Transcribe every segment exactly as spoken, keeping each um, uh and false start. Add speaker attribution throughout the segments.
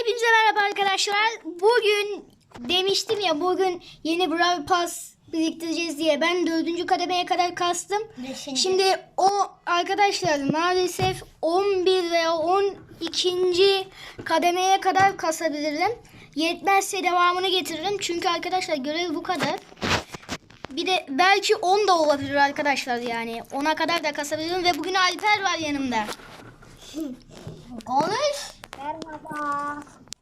Speaker 1: Hepinize merhaba arkadaşlar. Bugün demiştim ya, bugün yeni Brawl Pass biriktireceğiz diye. Ben dördüncü kademeye kadar kastım.
Speaker 2: Beşinci.
Speaker 1: Şimdi o arkadaşlar maalesef on bir veya on ikinci kademeye kadar kasabilirim. Yetmezse devamını getiririm. Çünkü arkadaşlar görev bu kadar. Bir de belki on da olabilir arkadaşlar yani. ona kadar da kasabilirim ve bugün Alper var yanımda.
Speaker 2: Konuş.
Speaker 3: Merhaba.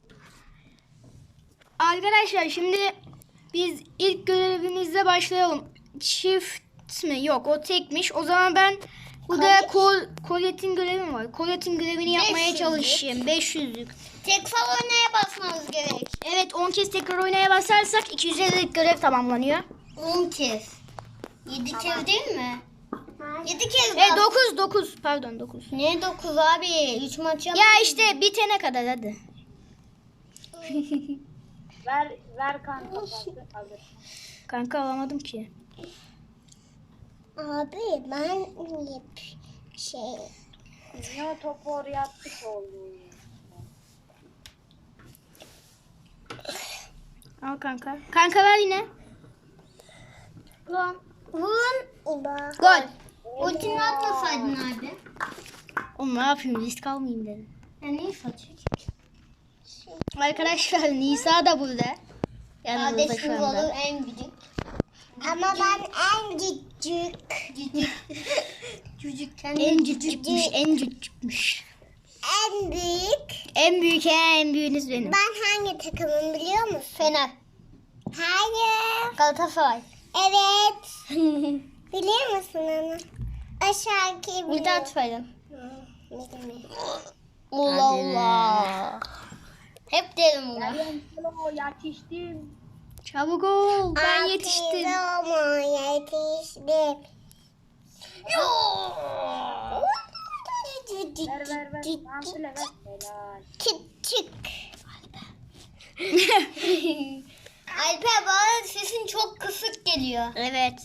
Speaker 1: Arkadaşlar şimdi biz ilk görevimizle başlayalım. Çift mi? Yok, o tekmiş. O zaman ben burada kol, Colette'in görevi mi var? Colette'in görevini yapmaya
Speaker 2: beş yüzlük.
Speaker 1: çalışayım. beş yüzlük.
Speaker 2: Tekrar oynaya basmamız gerek.
Speaker 1: Evet, on kez tekrar oynaya basarsak iki yüz ellilik görev tamamlanıyor.
Speaker 2: on kez. yedi kez değil mi? yedi kez
Speaker 1: E
Speaker 2: bas.
Speaker 1: dokuz dokuz pardon dokuz.
Speaker 2: Ne dokuz abi? üç maç yap.
Speaker 1: Ya işte bitene kadar hadi.
Speaker 3: Ver ver kanka pası alır.
Speaker 1: Kanka alamadım ki.
Speaker 2: Abi ben şey.
Speaker 3: Niye o topu oraya attık oldu?
Speaker 1: Al kanka. Kanka ver yine.
Speaker 2: Lan. Vurun.
Speaker 1: Gol.
Speaker 2: Ultini atmasaydın abi.
Speaker 1: Oğlum ne yapayım, risk almayayım dedim.
Speaker 2: Ya ne saçıyor?
Speaker 1: Arkadaşlar Nisa da burada. Yanımızda
Speaker 2: Kardeşim
Speaker 1: şu anda.
Speaker 2: olur en büyük. Ama ben en küçük. Cücük. Cücük.
Speaker 1: En cücükmüş, en cücükmüş.
Speaker 2: En büyük.
Speaker 1: En büyük he, en büyüğünüz benim.
Speaker 2: Ben hangi takımım biliyor musun? Fener. Hayır. Galatasaray. Evet. Biliyor musun onu? Aşağıki biliyorum. Mithat Faydan. Allah Allah. Hep derim bunu.
Speaker 3: Hello yetiştim.
Speaker 1: Çabuk ol, ben yetiştim.
Speaker 2: Ama yetiştim.
Speaker 3: Ver ver ver. Ampule ver. Helal.
Speaker 2: Küçük. Alper bana sesin çok kısık geliyor.
Speaker 1: Evet.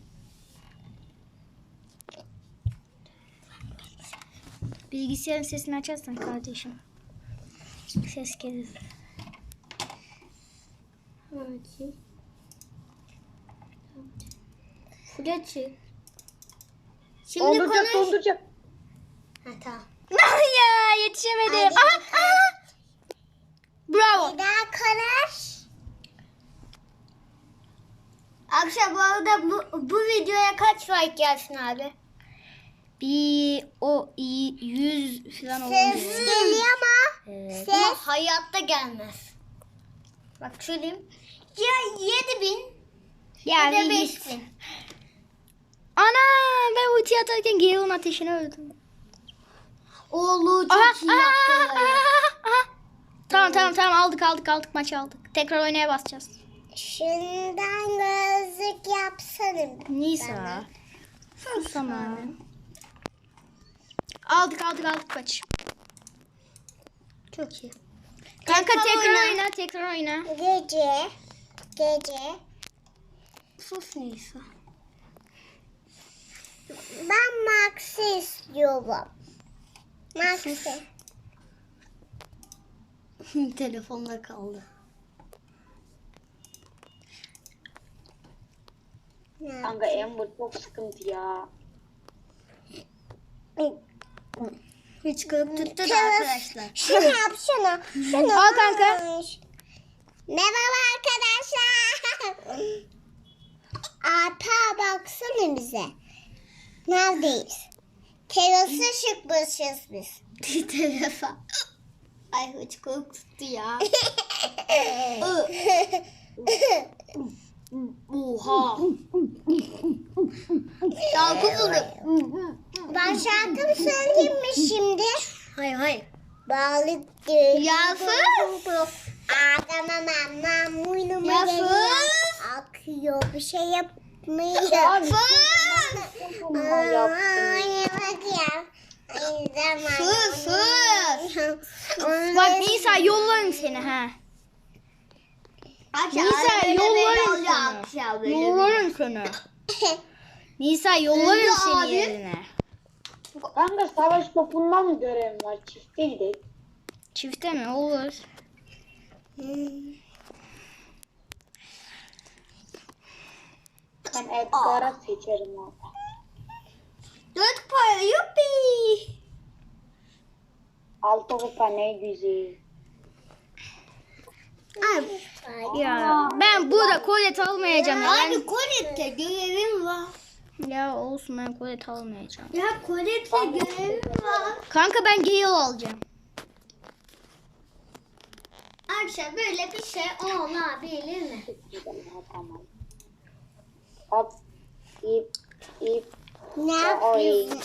Speaker 1: Bilgisayarın sesini açarsan kardeşim. Ses gelir.
Speaker 2: Fırçı. Şimdi
Speaker 3: Donduracak
Speaker 2: konuş.
Speaker 3: donduracak.
Speaker 2: Ha tamam.
Speaker 1: Ya yetişemedim. Aha, aha. Bravo.
Speaker 2: Bir daha konuş. Akşam bu arada bu, bu videoya kaç like gelsin abi?
Speaker 1: Bir o iyi yüz falan oldu.
Speaker 2: Ses geliyor ama
Speaker 1: Evet.
Speaker 2: ses ama hayatta gelmez. Bak söyleyeyim. Ya yedi bin
Speaker 1: Ya
Speaker 2: ya da
Speaker 1: bir
Speaker 2: beş
Speaker 1: git.
Speaker 2: bin.
Speaker 1: Ana, ben ulti atarken Gale'ın ateşine öldüm.
Speaker 2: Oğlu çok
Speaker 1: Aha,
Speaker 2: iyi
Speaker 1: aha,
Speaker 2: yaptı.
Speaker 1: aha, aha. Tamam tamam tamam aldık aldık aldık maçı aldık. Tekrar oynaya basacağız.
Speaker 2: Şundan gözlük yapsana.
Speaker 1: Nisa. Sana. Aldık aldık aldık maç.
Speaker 2: Çok iyi.
Speaker 1: Kanka
Speaker 2: Tekrar
Speaker 1: tekrar
Speaker 2: oyna.
Speaker 1: oyna tekrar oyna.
Speaker 2: Gece. Gece. Sus Nisa. Ben Max'i istiyorum. Max'i. Telefonda kaldı.
Speaker 3: Kanka Amber çok sıkıntı ya.
Speaker 2: Hiç kılıp tuttu da arkadaşlar. Şunu yap şunu. Şunu.
Speaker 1: Al kanka.
Speaker 2: Merhaba arkadaşlar. Alper baksana bize. Neredeyiz? Terası çıkmışız biz. Terasa. Ay hiç kılıp tuttu ya.
Speaker 1: Oha.
Speaker 2: Şarkı buldum. Ben şarkı mı söyleyeyim mi şimdi?
Speaker 1: Hayır hayır.
Speaker 2: Balık Yasız. Adama mama muynuma geliyor. Akıyor bir şey yapmıyor. Yasız. Ay bak ya. Ay zaman. Sus sus.
Speaker 1: Bak Nisa yollarım seni ha. Nisa yollarım seni. Yollarım seni. Nisa yollarım
Speaker 2: Öyle
Speaker 1: seni
Speaker 2: abi.
Speaker 1: yerine.
Speaker 3: Kanka savaş topundan mı görev var? Çifte gidelim.
Speaker 1: Çifte mi? Olur.
Speaker 3: Ben Edgar'a seçerim orada.
Speaker 2: Dört para yuppi.
Speaker 3: Altı kupa ne güzel.
Speaker 2: Abi.
Speaker 1: Ya ben burada kolet almayacağım. Ya. Ben...
Speaker 2: Abi kolette görevim var.
Speaker 1: ya olsun ben kolet almayacağım.
Speaker 2: Ya kolette görevim var.
Speaker 1: Kanka ben Gale alacağım.
Speaker 2: Arkadaşlar böyle bir şey olabilir mi?
Speaker 3: Tamam. Hop. İp. İp.
Speaker 2: Ne
Speaker 3: yapıyorsun?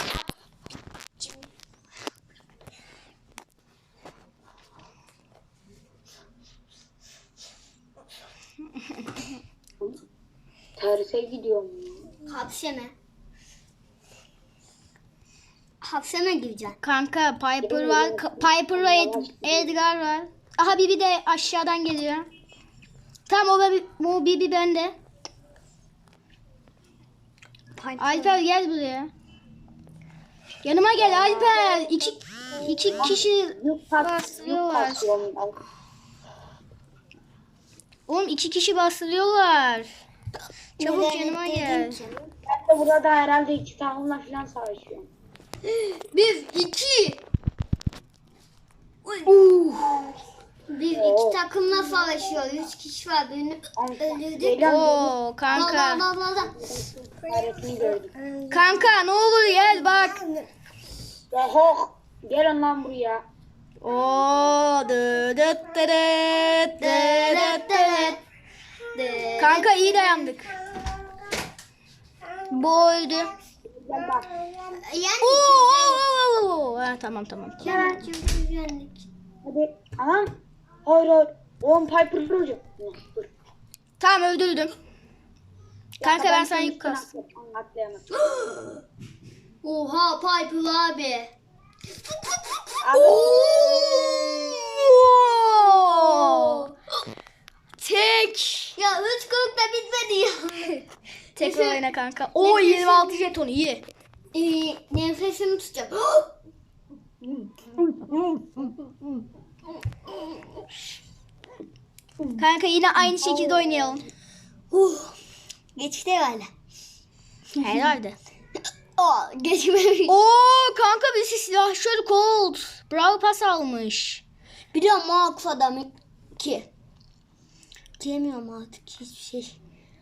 Speaker 3: Terse gidiyorum.
Speaker 2: Hapse mi? Hapse mi gireceksin?
Speaker 1: Kanka Piper var. Ka- Piper ve Ed- Edgar var. Aha Bibi de aşağıdan geliyor. Tamam o Bibi, o Bibi bende. Alper gel buraya. Yanıma gel Alper. İki, iki kişi bastırıyorlar. Oğlum iki kişi bastırıyorlar. Çabuk yanıma gel.
Speaker 3: Ben de burada herhalde iki takımla falan savaşıyorum.
Speaker 2: Bir, iki.
Speaker 1: Uh.
Speaker 2: Biz iki takımla savaşıyoruz. Üç kişi var. Birini öldürdük.
Speaker 3: Gelen
Speaker 1: Oo kanka.
Speaker 2: Dal, dal, dal, dal.
Speaker 3: hareketini gördük.
Speaker 1: Kanka ne olur gel bak.
Speaker 3: Ya hok. Gelin lan buraya.
Speaker 1: Oo dı dıt dırıt, dı dıt dırıt. Kanka iyi dayandık. Bu öldü.
Speaker 3: Gel bak.
Speaker 2: Yani
Speaker 1: Oo, oo, oo, oo. Ha, tamam tamam. tamam.
Speaker 2: yani çünkü yendik.
Speaker 3: Hadi. Aha. Hayır hayır. Oğlum Piper vuracak. Dur.
Speaker 1: Tamam öldürdüm. Kanka ben sana yük
Speaker 3: sana
Speaker 1: kastım.
Speaker 3: atlayamam.
Speaker 2: Oha Piper abi.
Speaker 1: Oo. Tek.
Speaker 2: Ya üç kırk da bitmedi ya.
Speaker 1: Tek oyna kanka. Oo yirmi altı jeton iyi.
Speaker 2: Ee, nefesimi tutacağım.
Speaker 1: Kanka yine aynı şekilde oynayalım.
Speaker 2: uh, geçti herhalde.
Speaker 1: Herhalde.
Speaker 2: Aa, geçmemiş.
Speaker 1: Oo kanka birisi silahşör Colt. Bravo pas almış.
Speaker 2: Bir de Max adamı ki. Diyemiyorum artık hiçbir şey.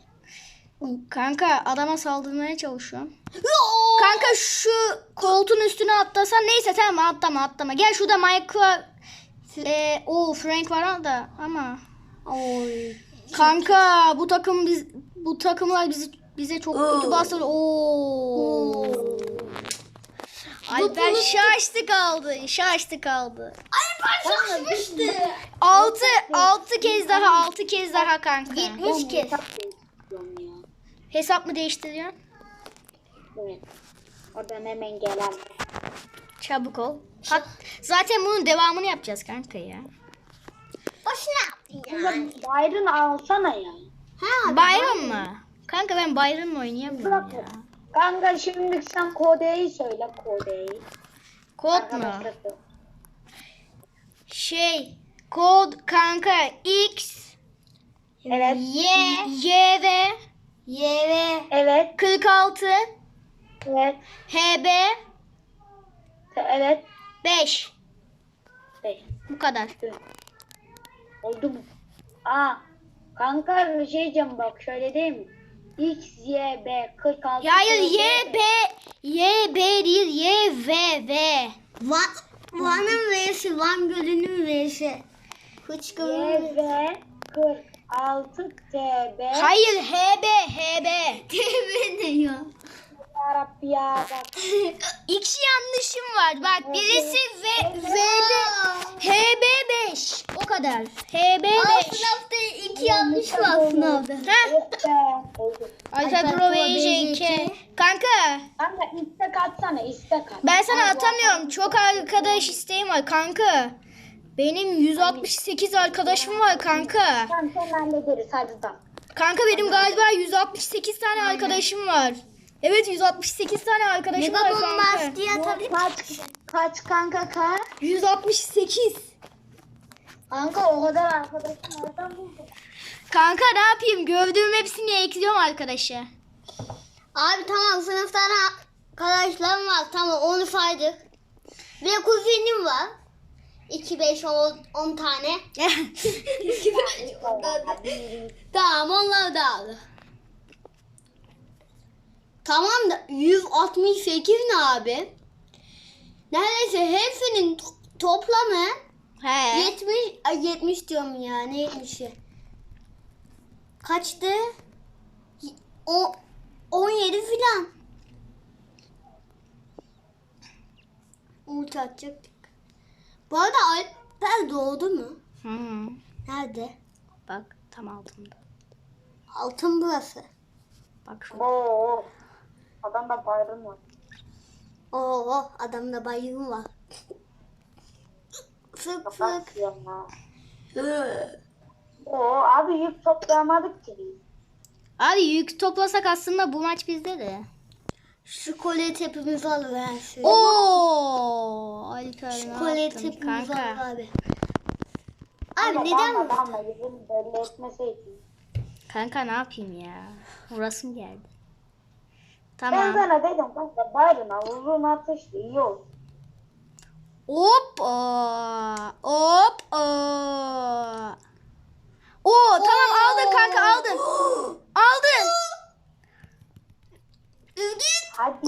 Speaker 1: Kanka adama saldırmaya çalışıyorum. Kanka şu koltuğun üstüne atlasan neyse tamam atlama atlama. Gel şurada Michael e, o Frank var da ama
Speaker 2: Oy.
Speaker 1: kanka bu takım biz bu takımlar bizi bize çok kötü bastırdı. Oo. Alper şaştı kaldı. Şaştı kaldı.
Speaker 2: Ay başlamıştı.
Speaker 1: Altı altı kez daha altı kez daha kanka.
Speaker 2: Yetmiş kez.
Speaker 1: Hesap mı değiştiriyorsun?
Speaker 3: Evet. Oradan hemen gelen.
Speaker 1: Çabuk ol. Hat, zaten bunun devamını yapacağız kanka ya.
Speaker 2: Boşuna yaptın ya.
Speaker 3: Byron alsana ya.
Speaker 2: Ha,
Speaker 1: Byron mı? Kanka ben Byron'la oynayamıyorum ya.
Speaker 3: Kanka şimdi sen kodeyi söyle kodeyi.
Speaker 1: Kod mu?
Speaker 3: Arkadaşlar.
Speaker 1: Şey, kod kanka X,
Speaker 3: Evet.
Speaker 1: Y, Y ve
Speaker 2: Y ve
Speaker 3: Evet.
Speaker 1: kırk altı,
Speaker 3: Evet.
Speaker 1: H B
Speaker 3: Evet.
Speaker 1: beş.
Speaker 3: Beş.
Speaker 1: Bu kadar.
Speaker 3: Oldu mu? Aa. Kanka bir şey diyeceğim bak şöyle değil mi? X, Y, B, kırk altı.
Speaker 1: Ya hayır Y, B, Y, B değil, Y, V, V.
Speaker 2: Van, Van'ın V'si, Van Gölü'nün V'si.
Speaker 3: Y,
Speaker 2: Hıçkırın.
Speaker 3: B, kırk altı, T, B.
Speaker 1: Hayır H B, H B.
Speaker 2: Tevbe diyor.
Speaker 3: Yarabbi ya bak.
Speaker 1: İki yanlışım var. Bak birisi V, V'de H B beş. O kadar. H B
Speaker 2: Aa,
Speaker 1: beş.
Speaker 2: sınavda iki yanlış var sınavda.
Speaker 1: Heh.
Speaker 3: Yok be. Oldu.
Speaker 1: Alfa
Speaker 2: Alfa
Speaker 1: Pro
Speaker 2: Pro
Speaker 1: V
Speaker 2: V
Speaker 1: J
Speaker 2: J
Speaker 1: iki.
Speaker 2: iki.
Speaker 1: Kanka
Speaker 3: Kanka istek atsana istek at.
Speaker 1: ben sana atamıyorum. Çok arkadaş isteğim var kanka. Benim yüz altmış sekiz arkadaşım var kanka.
Speaker 3: Tamam sen hallederiz hadi da.
Speaker 1: Kanka benim galiba yüz altmış sekiz tane arkadaşım var. Evet yüz altmış sekiz tane arkadaşım var
Speaker 2: Mega
Speaker 1: kanka.
Speaker 2: bombast diye atabilir.
Speaker 3: Kaç kaç kanka kaç?
Speaker 1: yüz altmış sekiz.
Speaker 3: Kanka o kadar arkadaşım nereden buldun?
Speaker 1: Kanka ne yapayım? Gördüğüm hepsini ekliyorum arkadaşa.
Speaker 2: Abi tamam, sınıftan arkadaşlarım var. Tamam, onu saydık. Ve kuzenim var. iki, beş, on tane. Tamam, onlar da aldı. Tamam da yüz altmış sekiz ne abi? Neredeyse hepsinin to- toplamı
Speaker 1: He.
Speaker 2: yetmiş, ay yetmiş diyorum ya, ne yetmişi? Kaçtı? O on yedi filan. Umut atacaktık. Bu arada Alper doğdu mu?
Speaker 1: Hı.
Speaker 2: Nerede?
Speaker 1: Bak tam altında.
Speaker 2: Altın burası.
Speaker 1: Bak şurada.
Speaker 3: Oo. Adamda bayrağım var.
Speaker 2: Oo, adamda bayım var. Fık
Speaker 3: Kapat
Speaker 2: fık.
Speaker 3: ya. Oo abi yük toplayamadık ki biz.
Speaker 1: Abi yük toplasak aslında bu maç bizde de.
Speaker 2: Şu kolye hepimiz alır her şeyi.
Speaker 1: Oo, Alper
Speaker 2: Şu
Speaker 1: ne
Speaker 2: kolye
Speaker 1: yaptın
Speaker 2: hepimiz alır
Speaker 1: kanka?
Speaker 2: abi. Abi
Speaker 3: Ama
Speaker 2: neden?
Speaker 3: Damla damla yüzünü belli etmeseydin.
Speaker 1: Kanka ne yapayım ya? Vurasım geldi.
Speaker 3: Ben
Speaker 1: Tamam.
Speaker 3: sana dedim kanka bayrağına uzun atıştı iyi oldu.
Speaker 1: Hop. aa, Hop. aa. Oo tamam aldın kanka aldın. Aldın.
Speaker 3: Hadi.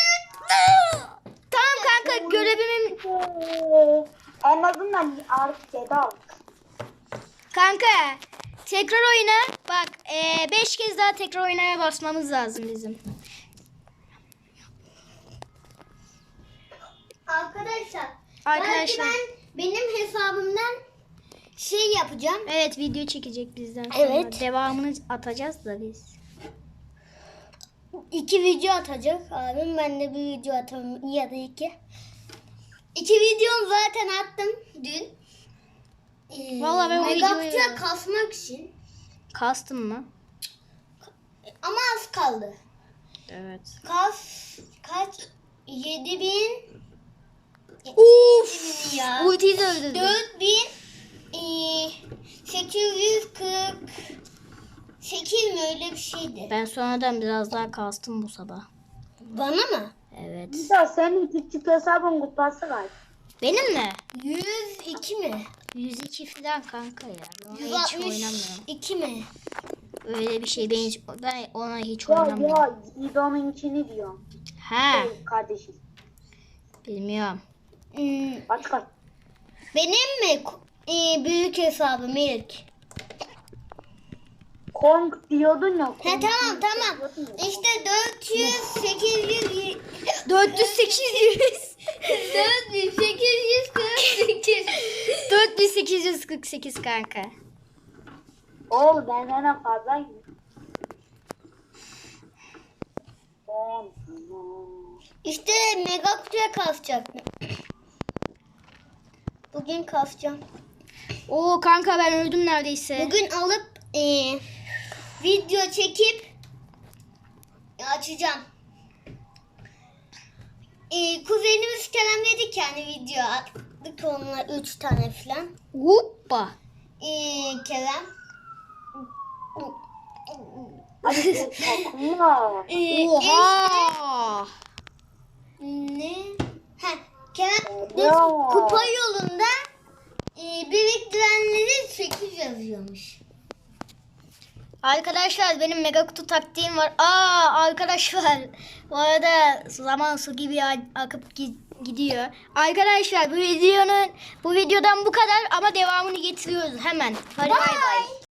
Speaker 1: Tamam kanka görevimin
Speaker 3: En azından artık yedi aldık.
Speaker 1: kanka tekrar oyna. Bak beş kez daha tekrar oynaya basmamız lazım bizim.
Speaker 2: Arkadaşlar.
Speaker 1: Arkadaşlar.
Speaker 2: Belki ben benim hesabımdan şey yapacağım.
Speaker 1: Evet video çekecek bizden sonra.
Speaker 2: Evet.
Speaker 1: Devamını atacağız da biz.
Speaker 2: İki video atacak abim. Ben de bir video atarım ya da iki. İki videom zaten attım dün. Ee,
Speaker 1: Vallahi ben o
Speaker 2: Megapixel
Speaker 1: videoyu-
Speaker 2: kasmak için.
Speaker 1: Kastın mı?
Speaker 2: Ama az kaldı.
Speaker 1: Evet.
Speaker 2: Kas kaç? Yedi bin.
Speaker 1: Uf!
Speaker 2: Ya.
Speaker 1: Ultiyi de öldürdüm.
Speaker 2: Dört bin. Sekiz yüz kırk. Sekiz mi, öyle bir şeydi.
Speaker 1: Ben sonradan biraz daha kastım bu sabah.
Speaker 2: Bana mı?
Speaker 1: Evet.
Speaker 3: Bir de senin küçük hesabın kupası var.
Speaker 1: Benim mi?
Speaker 2: Yüz iki mi?
Speaker 1: yüz iki falan kanka ya. Ben ona
Speaker 2: Yüz
Speaker 1: hiç
Speaker 2: altmış
Speaker 1: oynamıyorum.
Speaker 2: iki mi?
Speaker 1: Öyle bir şey ben, hiç, ben ona hiç
Speaker 3: Ya
Speaker 1: oynamıyorum.
Speaker 3: ya İdo'nunkini diyorum.
Speaker 1: Ha,
Speaker 3: Hey, kardeşim.
Speaker 1: bilmiyorum.
Speaker 2: Hmm,
Speaker 3: Kaç kaç.
Speaker 2: benim mi? Ee, büyük hesabım ilk.
Speaker 3: Kong diyordun ya.
Speaker 2: He
Speaker 3: Kong
Speaker 2: tamam tamam.
Speaker 3: diyordun ya.
Speaker 2: İşte dört yüz, sekiz yüz,
Speaker 1: dört yüz sekiz yüz.
Speaker 2: dört yüz, sekiz yüz kırk sekiz.
Speaker 1: dört bin sekiz yüz kırk sekiz kanka.
Speaker 3: Oğlum benden fazlaymış. On.
Speaker 2: İşte mega kutuya kasacaktım. Bugün kasacağım.
Speaker 1: Oo kanka ben öldüm neredeyse.
Speaker 2: Bugün alıp ee, video çekip açacağım. Ee, kuzenimiz kelamledik yani, video attık onunla üç tane falan.
Speaker 1: Hoppa.
Speaker 2: Ee, Kerem.
Speaker 3: Hadi takma.
Speaker 2: Ee,
Speaker 1: Oha.
Speaker 2: Ne? Ha, Kerem
Speaker 3: Ya.
Speaker 2: kupa yolunda e, biriktirenleri sekiz yazıyormuş.
Speaker 1: Arkadaşlar benim mega kutu taktiğim var. Aa arkadaşlar bu arada zaman su gibi a- akıp gi- gidiyor. Arkadaşlar bu videonun bu videodan bu kadar ama devamını getiriyoruz hemen. Hadi bay bay.